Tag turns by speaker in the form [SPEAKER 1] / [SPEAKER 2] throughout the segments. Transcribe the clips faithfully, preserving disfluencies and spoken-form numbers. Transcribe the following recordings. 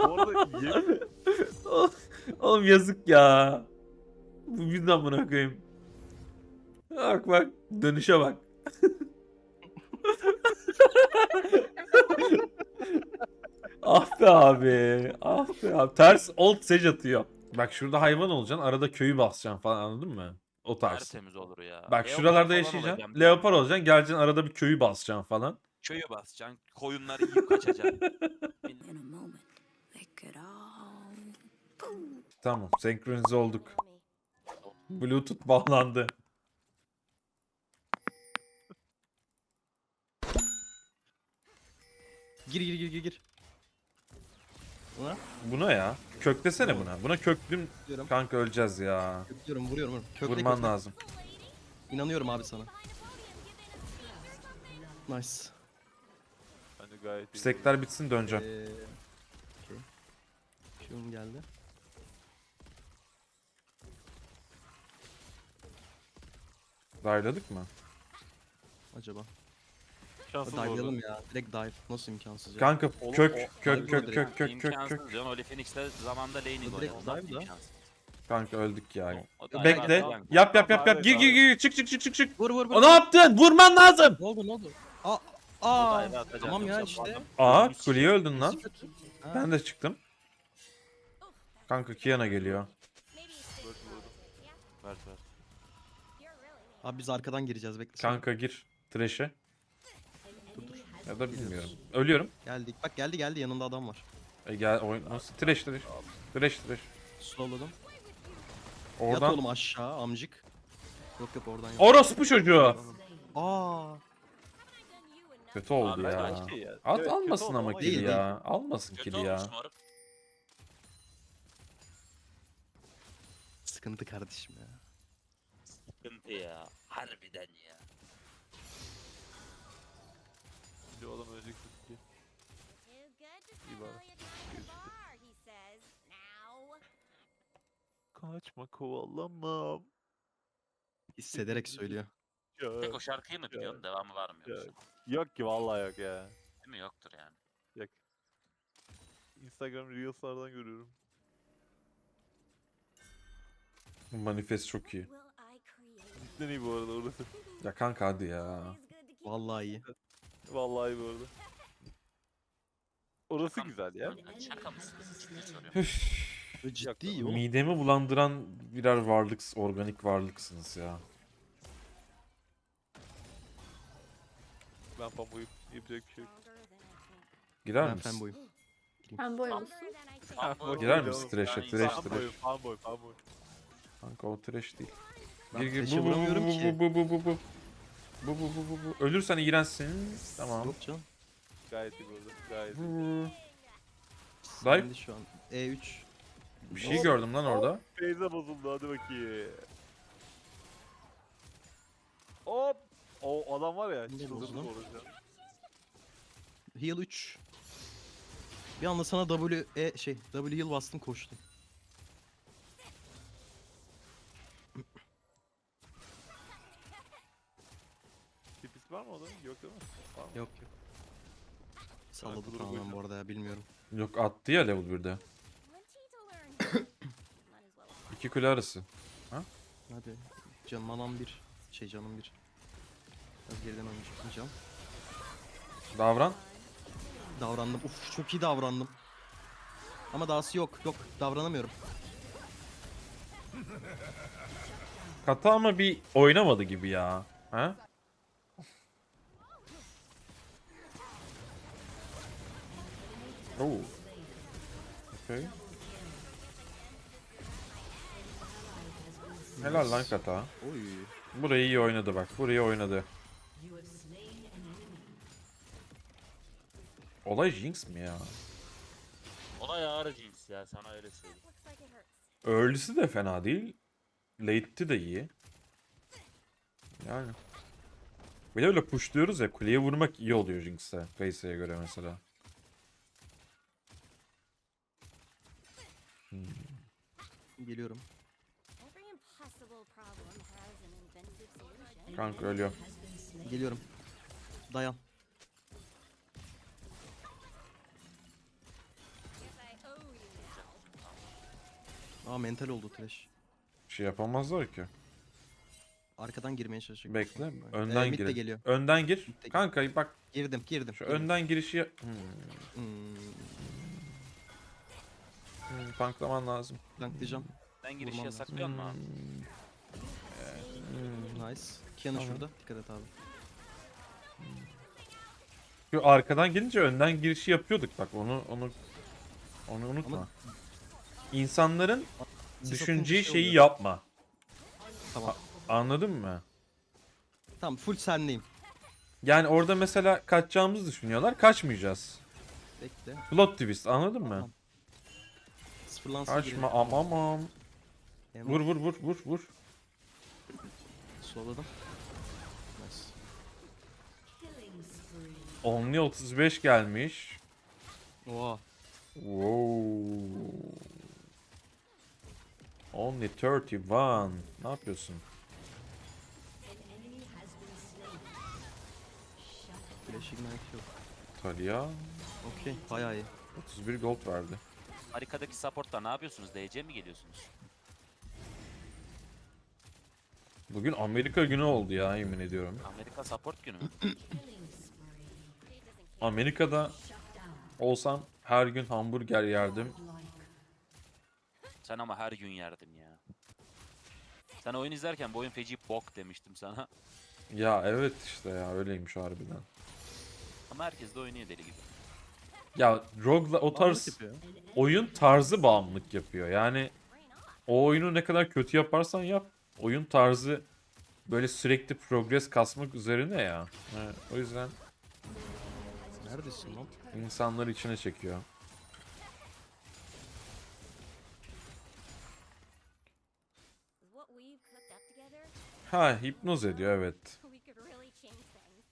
[SPEAKER 1] Bu arada yemin
[SPEAKER 2] Oğlum yazık ya. Bu yüzden buna koyayım. Bak bak. Dönüşe bak. Ah be abi. Ah be abi. Ters old sage atıyor. Bak şurada hayvan olacaksın. Arada köyü basacaksın falan, anladın mı? O tarz.
[SPEAKER 3] Tertemiz olur ya.
[SPEAKER 2] Bak
[SPEAKER 3] Leopar
[SPEAKER 2] şuralarda
[SPEAKER 3] falan
[SPEAKER 2] yaşayacaksın.
[SPEAKER 3] olacağım.
[SPEAKER 2] Leopar olacaksın. Geleceksin arada bir köyü basacaksın falan.
[SPEAKER 3] Köyü basacaksın. Koyunları yiyip kaçacaksın.
[SPEAKER 4] In a moment, they could all.
[SPEAKER 2] Tamam. Senkronize olduk. Bluetooth bağlandı.
[SPEAKER 5] Gir gir gir gir gir. Buna
[SPEAKER 2] Buna ya. Köklesene buna. Buna köklüm
[SPEAKER 5] diyorum.
[SPEAKER 2] kanka, öleceğiz ya.
[SPEAKER 5] Köklüyorum vuruyorum vuruyorum. Kökle,
[SPEAKER 2] Vurman
[SPEAKER 5] kökle.
[SPEAKER 2] lazım.
[SPEAKER 5] İnanıyorum abi sana. Nice.
[SPEAKER 1] Bence gayet iyi.
[SPEAKER 2] Stekler bitsin, döneceğim.
[SPEAKER 5] Ee, okay. Q'um geldi.
[SPEAKER 2] Dive'ladık mı?
[SPEAKER 5] Acaba.
[SPEAKER 1] Şanssız bu
[SPEAKER 5] Dive'layalım
[SPEAKER 1] arada.
[SPEAKER 5] ya. Direkt dive. Nasıl imkansız ya?
[SPEAKER 2] Kanka
[SPEAKER 1] Oğlum,
[SPEAKER 2] kök
[SPEAKER 1] o-
[SPEAKER 2] kök
[SPEAKER 5] Dive
[SPEAKER 2] kök
[SPEAKER 5] bu
[SPEAKER 2] kök kök kök
[SPEAKER 3] İmkansız
[SPEAKER 2] kök.
[SPEAKER 3] diyorsun. Oli Phoenix'te zamanda laning
[SPEAKER 5] O direkt
[SPEAKER 3] oynadı. Ondan
[SPEAKER 5] dive da.
[SPEAKER 3] imkansız.
[SPEAKER 2] Kanka öldük ya.
[SPEAKER 3] O da
[SPEAKER 2] Bekle.
[SPEAKER 3] aynen.
[SPEAKER 2] Yap yap yap yap.
[SPEAKER 1] Abi,
[SPEAKER 2] Gir gir
[SPEAKER 1] abi.
[SPEAKER 2] gir. Çık çık çık çık çık.
[SPEAKER 5] Vur vur vur.
[SPEAKER 2] O ne yaptın? Vurman lazım.
[SPEAKER 5] Ne oldu ne oldu? Aa.
[SPEAKER 3] O
[SPEAKER 5] Aa.
[SPEAKER 3] dive atacak
[SPEAKER 5] Tamam ya
[SPEAKER 3] yoksa bu
[SPEAKER 5] işte.
[SPEAKER 3] adam-
[SPEAKER 2] Aa, kuleye öldün lan.
[SPEAKER 5] Ha.
[SPEAKER 2] Ben de çıktım. Kanka Kiana geliyor.
[SPEAKER 1] Dört vurdu. Ver ver.
[SPEAKER 5] Abi biz arkadan gireceğiz bekle.
[SPEAKER 2] Kanka gir. Thresh'e.
[SPEAKER 5] Dur dur.
[SPEAKER 2] Ya da bilmiyorum. Ölüyorum.
[SPEAKER 5] Geldik. Bak geldi geldi yanında adam var.
[SPEAKER 2] E gel oyun. Nasıl? Thresh Thresh. Thresh Thresh.
[SPEAKER 5] Slowladım. Yat
[SPEAKER 2] Oradan.
[SPEAKER 5] oğlum aşağı amcık. Yok yok oradan yok.
[SPEAKER 2] Orospu çocuğu.
[SPEAKER 5] Aa.
[SPEAKER 2] Kötü oldu
[SPEAKER 3] Abi,
[SPEAKER 2] ya.
[SPEAKER 1] belki ya.
[SPEAKER 2] Al,
[SPEAKER 1] Evet,
[SPEAKER 2] almasın
[SPEAKER 1] kötü
[SPEAKER 2] ama
[SPEAKER 1] oldu
[SPEAKER 2] kill
[SPEAKER 5] değil,
[SPEAKER 2] ya. Almasın
[SPEAKER 3] Kötü
[SPEAKER 2] kill ya.
[SPEAKER 3] olmuş moruk.
[SPEAKER 5] Sıkıntı kardeşim ya.
[SPEAKER 3] Sıkıntı ya. Harbiden ya.
[SPEAKER 1] Şimdi o adam ölecek ki. İyi bari. Kaçma kovalamam.
[SPEAKER 5] Hissederek söylüyor.
[SPEAKER 1] Ya,
[SPEAKER 3] Tek o şarkıyı mı biliyorsun? Devamı var mı
[SPEAKER 1] ya.
[SPEAKER 3] yoksa?
[SPEAKER 1] Yok ki vallahi yok ya.
[SPEAKER 3] Değil mi? Yoktur yani.
[SPEAKER 1] Yok. Instagram Reels'lardan görüyorum.
[SPEAKER 2] Bu manifest çok iyi.
[SPEAKER 1] Cidden iyi bu arada orası.
[SPEAKER 2] Ya kanka hadi ya.
[SPEAKER 5] Vallahi iyi.
[SPEAKER 1] Vallahi iyi bu arada. Orası
[SPEAKER 3] Şaka
[SPEAKER 1] güzel ya.
[SPEAKER 3] mısınız? Şaka mısınız? Ciddi soruyorum.
[SPEAKER 5] Böyle ciddi iyi oğlum.
[SPEAKER 2] Midemi bulandıran birer varlık, organik varlıksınız ya.
[SPEAKER 1] Ben pamuk'u yapacak bir şey yok.
[SPEAKER 2] Girer
[SPEAKER 5] Ben
[SPEAKER 2] misin?
[SPEAKER 5] fanboyum.
[SPEAKER 6] Ben boy musun?
[SPEAKER 3] Fanboy
[SPEAKER 2] Girer
[SPEAKER 3] olur.
[SPEAKER 2] misin trash'e?
[SPEAKER 3] Yani
[SPEAKER 2] Trash,
[SPEAKER 3] insan-
[SPEAKER 1] Fanboy, fanboy, fanboy.
[SPEAKER 2] Kanka o trash değil.
[SPEAKER 5] Ben
[SPEAKER 2] Gir gir
[SPEAKER 5] flash'e
[SPEAKER 2] bu bu bu
[SPEAKER 5] vuramıyorum
[SPEAKER 2] bu
[SPEAKER 5] ki.
[SPEAKER 2] bu bu bu bu. Bu bu bu bu bu. Ölürsen iğrençsin. Tamam.
[SPEAKER 5] Yok canım.
[SPEAKER 1] Gayet iyi bu arada. Gayet iyi.
[SPEAKER 2] Bu. Dive.
[SPEAKER 5] Şimdi şu an E üç.
[SPEAKER 2] Bir şey gördüm lan orada.
[SPEAKER 1] Feyza bozuldu hadi bakayım. Hop. O adam var ya.
[SPEAKER 5] Ne
[SPEAKER 1] Çıldırdı
[SPEAKER 5] bozuldu?
[SPEAKER 1] bu arada.
[SPEAKER 5] Heal üç. Bir anda sana W e şey W heal bastım koştum.
[SPEAKER 1] Tipis var mı o adamın? Yok değil mi? Var mı?
[SPEAKER 5] Yok yok. Salladı
[SPEAKER 1] kuduruk
[SPEAKER 5] tamamen
[SPEAKER 1] oynuyorum.
[SPEAKER 5] bu arada ya bilmiyorum.
[SPEAKER 2] Yok attı ya level birde. İki kule arası.
[SPEAKER 5] Hadi. Can manam bir. Şey canım bir. Biraz geriden oynayacağım. Can.
[SPEAKER 2] Davran.
[SPEAKER 5] Davrandım. Uf çok iyi davrandım. Ama dahası yok. Yok davranamıyorum.
[SPEAKER 2] Kata ama bir oynamadı gibi ya. Ha? Oo. Okay. Helal lan Kata.
[SPEAKER 5] Oy.
[SPEAKER 2] Burayı iyi oynadı bak. Burayı oynadı. Olay Jinx mi ya?
[SPEAKER 3] Olay ağır cins ya, sana öyle söyleyeyim.
[SPEAKER 2] Early'si de fena değil. Late'ti de iyi. Yani. Bir de öyle pushluyoruz ya, kuleye vurmak iyi oluyor Jinx'te. Kayse'ye göre mesela. Hmm.
[SPEAKER 5] Geliyorum.
[SPEAKER 2] Kanka ölüyor.
[SPEAKER 5] Geliyorum. Dayan. Aa mental oldu trash.
[SPEAKER 2] Bir şey yapamazlar ki.
[SPEAKER 5] Arkadan girmeye çalışacak.
[SPEAKER 2] Bekle.
[SPEAKER 5] Ee,
[SPEAKER 2] Önden
[SPEAKER 5] mid de
[SPEAKER 2] gir.
[SPEAKER 5] geliyor.
[SPEAKER 2] Önden gir.
[SPEAKER 5] Mid de
[SPEAKER 2] Kanka bak
[SPEAKER 5] Girdim girdim.
[SPEAKER 2] şu
[SPEAKER 5] girdim.
[SPEAKER 2] önden girişi yap- hmm.
[SPEAKER 5] Hmm,
[SPEAKER 2] Hmm, tanklaman lazım.
[SPEAKER 5] tanklayacağım.
[SPEAKER 3] Ben girişi
[SPEAKER 5] Vurmam lazım.
[SPEAKER 3] yasaklıyor mu abi?
[SPEAKER 2] Hmm.
[SPEAKER 5] Nice. Kiana
[SPEAKER 2] Tamam.
[SPEAKER 5] şurada. Dikkat et abi.
[SPEAKER 2] Şu arkadan gelince önden girişi yapıyorduk bak onu onu onu unutma.
[SPEAKER 5] Ama-
[SPEAKER 2] İnsanların
[SPEAKER 5] Siz
[SPEAKER 2] düşüneceği
[SPEAKER 5] atınca şey
[SPEAKER 2] şeyi
[SPEAKER 5] oluyor.
[SPEAKER 2] yapma.
[SPEAKER 5] Tamam.
[SPEAKER 2] Anladın mı?
[SPEAKER 5] Tamam full senleyim.
[SPEAKER 2] Yani orada mesela kaçacağımızı düşünüyorlar. Kaçmayacağız.
[SPEAKER 5] Bekle.
[SPEAKER 2] Plot twist anladın mı?
[SPEAKER 5] Tamam. Sıfırlansın
[SPEAKER 2] Kaçma amam am. Vur vur vur vur vur.
[SPEAKER 5] Soladım. Nice.
[SPEAKER 2] Only otuz beş gelmiş.
[SPEAKER 5] Oha.
[SPEAKER 2] Wow. Only otuz bir. Ne yapıyorsun?
[SPEAKER 5] Flash ignite yok.
[SPEAKER 2] Talia
[SPEAKER 5] Okey. Bayağı iyi.
[SPEAKER 2] otuz bir gold verdi.
[SPEAKER 3] Harikadaki supportlar ne yapıyorsunuz? D C mi geliyorsunuz?
[SPEAKER 2] Bugün Amerika günü oldu ya yemin ediyorum.
[SPEAKER 3] Amerika support günü mü?
[SPEAKER 2] Amerika'da olsam her gün hamburger yerdim.
[SPEAKER 3] Sen ama her gün yerdin ya. Sen oyun izlerken bu oyun feci bok demiştim sana.
[SPEAKER 2] Ya evet işte ya öyleymiş harbiden.
[SPEAKER 3] Ama herkes de oynuyor deli gibi.
[SPEAKER 2] Ya Rogue'la o tarz
[SPEAKER 5] Bağımlılık yapıyor.
[SPEAKER 2] oyun tarzı bağımlılık yapıyor. Yani o oyunu ne kadar kötü yaparsan yap oyun tarzı böyle sürekli progress kasmak üzerine ya. Evet, o yüzden
[SPEAKER 5] Neredesin lan?
[SPEAKER 2] insanları içine çekiyor.
[SPEAKER 6] What we've cooked up together,
[SPEAKER 2] Ha hipnoz ediyor evet.
[SPEAKER 6] we could really change things.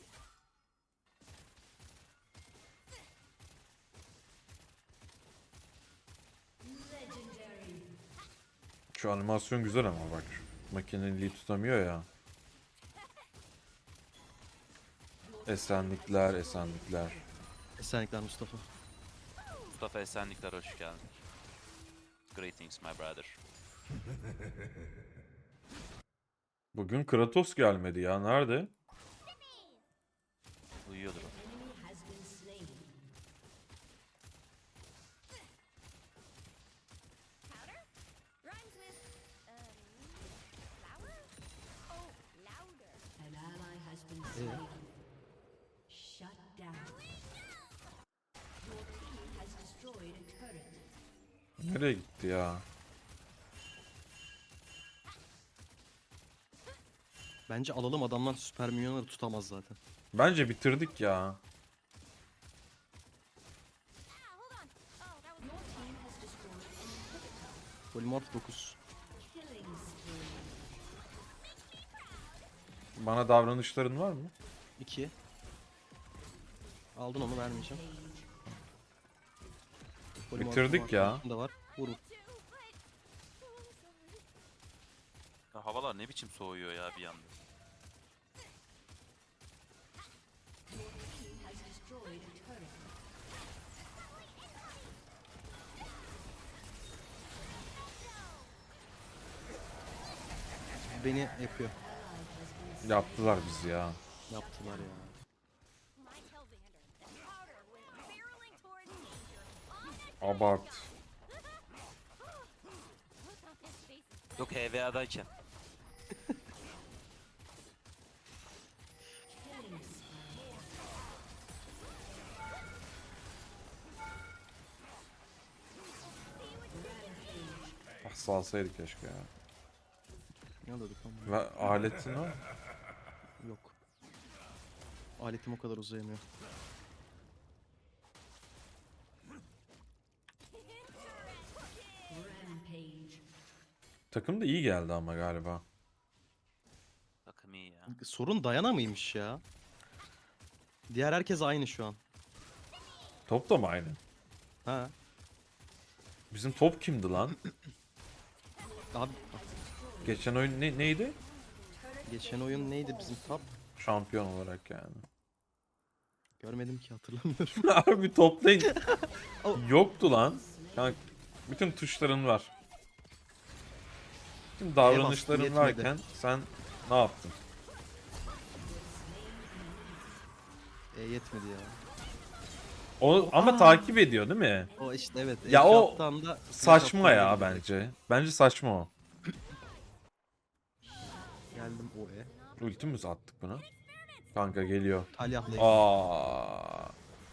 [SPEAKER 2] Şu animasyon güzel ama bak. Makineliği tutamıyor ya. Esenlikler, esenlikler.
[SPEAKER 5] Esenlikler Mustafa.
[SPEAKER 3] Mustafa Esenlikler hoş geldin. Greetings my brother.
[SPEAKER 2] Bugün Kratos gelmedi ya. Nerede?
[SPEAKER 3] Uyuyordur o.
[SPEAKER 6] Powder? Rhymes with, um, flour? Oh, louder.
[SPEAKER 4] An ally has been
[SPEAKER 5] Ee,
[SPEAKER 4] slain. Shut down. Your team has destroyed a turret.
[SPEAKER 2] Nereye gitti ya?
[SPEAKER 5] bence alalım adamlar süper minyonları tutamaz zaten.
[SPEAKER 2] Bence bitirdik ya.
[SPEAKER 6] Ah, hold on. Oh, that was
[SPEAKER 4] Your team has destroyed an inhibitor.
[SPEAKER 5] Polymorph dokuz.
[SPEAKER 4] Killing spree.
[SPEAKER 2] Bana davranışların var mı?
[SPEAKER 5] iki. Aldın onu vermeyeceğim. Polymorph
[SPEAKER 2] Bitirdik
[SPEAKER 5] var,
[SPEAKER 2] ya.
[SPEAKER 5] altında Da var. Vur. vur.
[SPEAKER 6] too, but... Oh, I'm sorry.
[SPEAKER 3] Ya havalar ne biçim soğuyor ya bir anda.
[SPEAKER 4] Your team has destroyed a turret.
[SPEAKER 5] Beni yapıyor.
[SPEAKER 2] Yaptılar bizi ya.
[SPEAKER 5] Yaptılar ya.
[SPEAKER 6] My Hellvander, the powder went barreling towards danger. On the
[SPEAKER 2] Abart.
[SPEAKER 6] look on his face.
[SPEAKER 3] Yok H V A'dayken.
[SPEAKER 2] Ah salsaydık keşke ya.
[SPEAKER 5] Ne alıyorduk lan? bunu?
[SPEAKER 2] Ve aletin o.
[SPEAKER 5] Yok. Aletim o kadar uzayamıyor.
[SPEAKER 4] Rampage.
[SPEAKER 2] Takım da iyi geldi ama galiba.
[SPEAKER 3] Takım iyi ya.
[SPEAKER 5] Sorun Dayana mıymış ya? Diğer herkes aynı şu an.
[SPEAKER 2] Top da mı aynı?
[SPEAKER 5] Ha.
[SPEAKER 2] Bizim top kimdi lan?
[SPEAKER 5] Abi
[SPEAKER 2] Geçen oyun ne, neydi?
[SPEAKER 5] geçen oyun neydi bizim top?
[SPEAKER 2] Şampiyon olarak yani.
[SPEAKER 5] Görmedim ki hatırlamıyorum.
[SPEAKER 2] Harbi toplayın. Yoktu lan. Kanka, bütün tuşların var. Şimdi davranışların
[SPEAKER 5] yetmedi.
[SPEAKER 2] varken sen ne yaptın?
[SPEAKER 5] E yetmedi ya.
[SPEAKER 2] O ama takip ediyor değil mi?
[SPEAKER 5] O işte evet.
[SPEAKER 2] Ya
[SPEAKER 5] Ejder
[SPEAKER 2] o
[SPEAKER 5] attığı anda
[SPEAKER 2] Saçma
[SPEAKER 5] flash
[SPEAKER 2] ya
[SPEAKER 5] attığında
[SPEAKER 2] bence. Bence saçma o.
[SPEAKER 5] geldim o e.
[SPEAKER 2] Ultimiz attık buna. Kanka geliyor.
[SPEAKER 5] Talyah'la
[SPEAKER 2] Aa.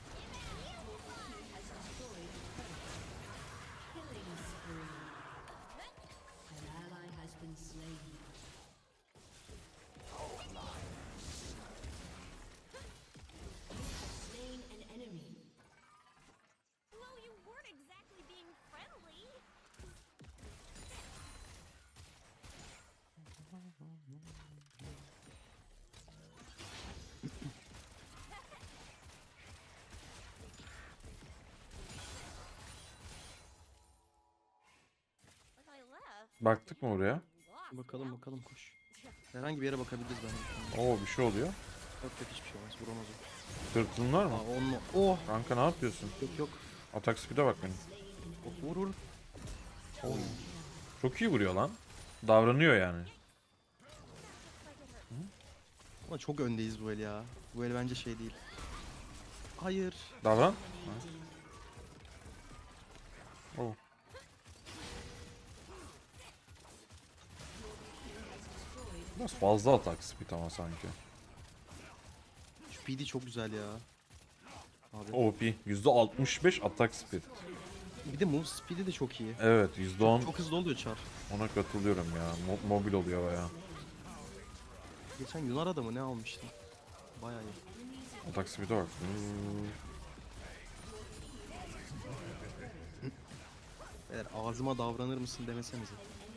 [SPEAKER 6] Well, you weren't exactly being friendly. Like I left.
[SPEAKER 2] Baktık mı oraya?
[SPEAKER 6] Lost.
[SPEAKER 5] Bakalım bakalım koş. Herhangi bir yere bakabiliriz bence.
[SPEAKER 2] Oo bir şey oluyor.
[SPEAKER 5] Yok yok hiçbir şey olmaz. Vuramaz o.
[SPEAKER 2] Tırtılın var mı?
[SPEAKER 5] Aa onunla. Oh.
[SPEAKER 2] Kanka ne yapıyorsun?
[SPEAKER 5] Yok yok.
[SPEAKER 2] Atak speed'e bak benim.
[SPEAKER 5] Oh, vur vur.
[SPEAKER 2] Çok iyi vuruyor lan. Davranıyor yani.
[SPEAKER 5] Ama çok öndeyiz bu el ya. Bu el bence şey değil. Hayır.
[SPEAKER 2] Davran. Oh. Biraz fazla atak speed ama sanki.
[SPEAKER 5] Şu P D çok güzel ya. Abi.
[SPEAKER 2] O P. yüzde altmış beş atak speed.
[SPEAKER 5] Bir de move speed'i de çok iyi.
[SPEAKER 2] Evet yüzde on
[SPEAKER 5] Çok hızlı oluyor çar.
[SPEAKER 2] ona katılıyorum ya. Mo- mobil oluyor baya.
[SPEAKER 5] Geçen Yunar adamı ne almıştım. Bayağı iyi.
[SPEAKER 2] Atak speed'e bak. Hmm.
[SPEAKER 5] Eğer ağzıma davranır mısın demesenize.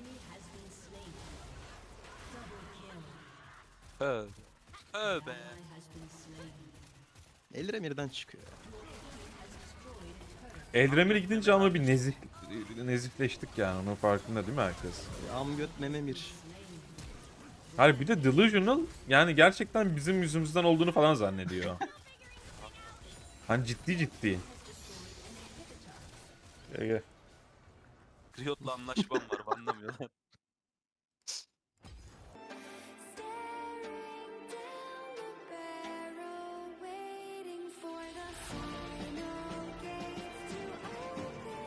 [SPEAKER 3] Tövbe. Tövbe.
[SPEAKER 5] Elremir'den çıkıyor ya.
[SPEAKER 2] Eldremir'e gidince ama bir nezih nezihleştik yani. Onun farkında değil mi herkes?
[SPEAKER 5] Amgöt mememir.
[SPEAKER 2] Hayır bir de delusional yani gerçekten bizim yüzümüzden olduğunu falan zannediyor. Hani ciddi ciddi. Gel gel.
[SPEAKER 3] Riot'la anlaşmam var anlamıyorlar.